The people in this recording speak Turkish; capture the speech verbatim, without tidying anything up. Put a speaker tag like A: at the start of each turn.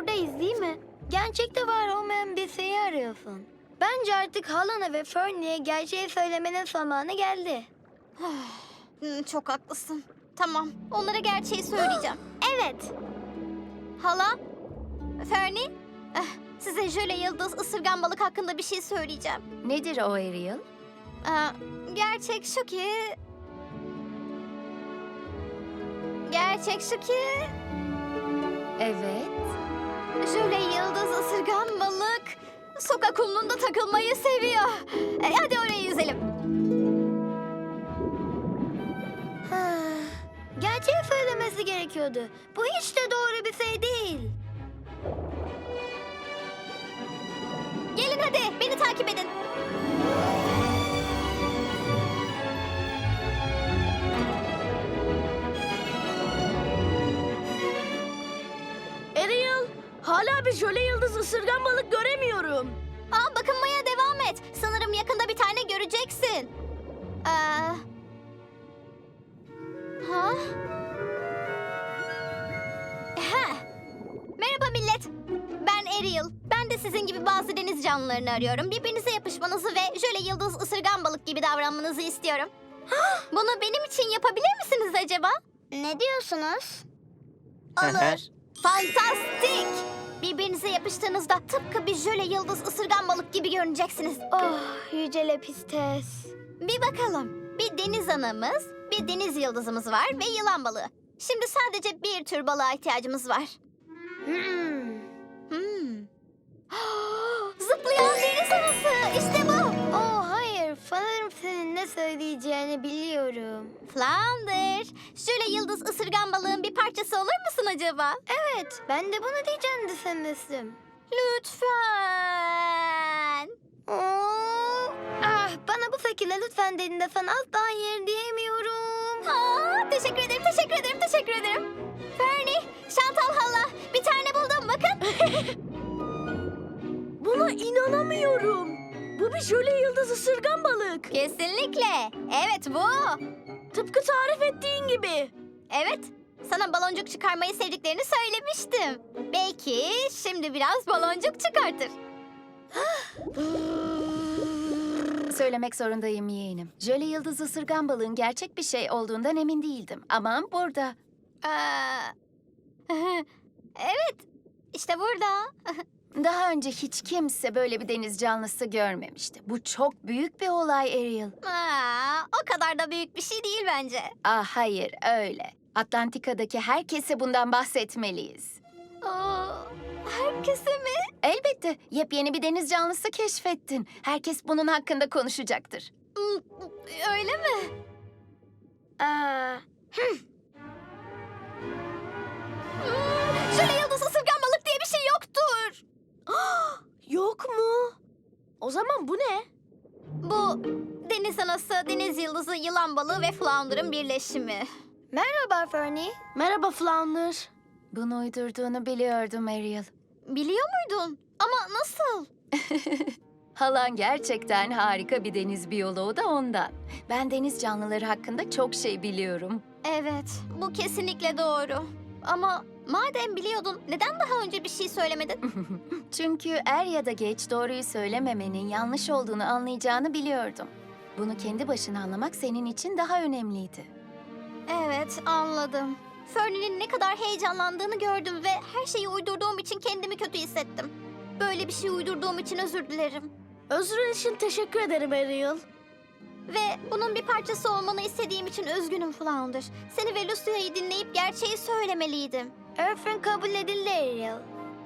A: buradayız değil mi? Gerçekte var olmayan bir şeyi arıyorsun. Bence artık halana ve Fernie'ye gerçeği söylemenin zamanı geldi.
B: Hmm, çok haklısın. Tamam, onlara gerçeği söyleyeceğim.
A: Evet.
B: Hala, Fernie, eh, size jöle yıldız ısırgan balık hakkında bir şey söyleyeceğim.
C: Nedir o Ariel?
B: Aa, gerçek şu ki... Gerçek şu ki...
C: Evet.
B: Jöle yıldız ısırgan balık sokak kumluğunda takılmayı seviyor. E, hadi oraya yüzelim.
A: Gerçeği söylemesi gerekiyordu. Bu hiç de doğru bir şey değil.
B: Gelin hadi, beni takip edin.
D: Ariel, hala bir jöle yıldız ısırgan balık göremiyorum.
B: Aa, bakınmaya devam et. Sanırım yakında bir tane göreceksin. Aa... Ha? Ha. Merhaba millet. Ben Ariel. Ben de sizin gibi bazı deniz canlılarını arıyorum. Birbirinize yapışmanızı ve jöle yıldız ısırgan balık gibi davranmanızı istiyorum. Bunu benim için yapabilir misiniz acaba?
A: Ne diyorsunuz?
B: Olur. Fantastik. Birbirinize yapıştığınızda tıpkı bir jöle yıldız ısırgan balık gibi görüneceksiniz.
A: Oh, yüce Lepistes.
B: Bir bakalım. Bir deniz anamız, bir deniz yıldızımız var ve yılan balığı. Şimdi sadece bir tür balığa ihtiyacımız var.
A: Hmm.
B: Hmm. Zıplayan deniz anası. İşte bu.
A: Oh hayır, sanırım senin ne söyleyeceğini biliyorum.
B: Flounder. Şöyle yıldız ısırgan balığın bir parçası olur musun acaba?
A: Evet, ben de bunu diyeceğini düşünmüştüm.
B: Lütfen.
A: Oo. Ah, bana bu şekilde lütfen dediğinde sana asla hayır diyemiyorum.
B: Aa, teşekkür ederim, teşekkür ederim, teşekkür ederim. Fernie, Chantal hala. Bir tane buldum bakın.
D: Buna inanamıyorum. Bu bir jöle yıldız ısırgan balık.
B: Kesinlikle. Evet bu.
D: Tıpkı tarif ettiğin gibi.
B: Evet. Sana baloncuk çıkarmayı sevdiklerini söylemiştim. Belki şimdi biraz baloncuk çıkartır.
C: Söylemek zorundayım yeğenim. Jöle yıldız ısırgan balığın gerçek bir şey olduğundan emin değildim. Ama burada.
B: Aa, evet. İşte burada.
C: Daha önce hiç kimse böyle bir deniz canlısı görmemişti. Bu çok büyük bir olay Ariel.
B: Aa, o kadar da büyük bir şey değil bence.
C: Ah hayır öyle. Atlantika'daki herkese bundan bahsetmeliyiz.
B: Aa, herkese mi?
C: Elbette yepyeni bir deniz canlısı keşfettin. Herkes bunun hakkında konuşacaktır.
B: Öyle mi?
A: Aa,
B: Şöyle yıldız ısırgan balık diye bir şey yoktur.
D: Yok mu? O zaman bu ne?
B: Bu deniz anası, deniz yıldızı, yılan balığı ve flounder'ın birleşimi.
A: merhaba Fernie.
D: Merhaba Flounder.
C: Bunu uydurduğunu biliyordum Ariel.
B: Biliyor muydun? Ama nasıl?
C: Halan gerçekten harika bir deniz biyoloğu da ondan. Ben deniz canlıları hakkında çok şey biliyorum.
B: Evet, bu kesinlikle doğru. Ama madem biliyordun, neden daha önce bir şey söylemedin?
C: Çünkü er ya da geç doğruyu söylememenin yanlış olduğunu anlayacağını biliyordum. Bunu kendi başına anlamak senin için daha önemliydi.
B: Evet, anladım. Fernie'nin ne kadar heyecanlandığını gördüm ve her şeyi uydurduğum için kendimi kötü hissettim. Böyle bir şey uydurduğum için özür dilerim.
D: Özrün için teşekkür ederim Ariel.
B: Ve bunun bir parçası olmanı istediğim için üzgünüm Flounder. Seni ve Lucia'yı dinleyip gerçeği söylemeliydim.
A: Örfün kabul edildi Ariel.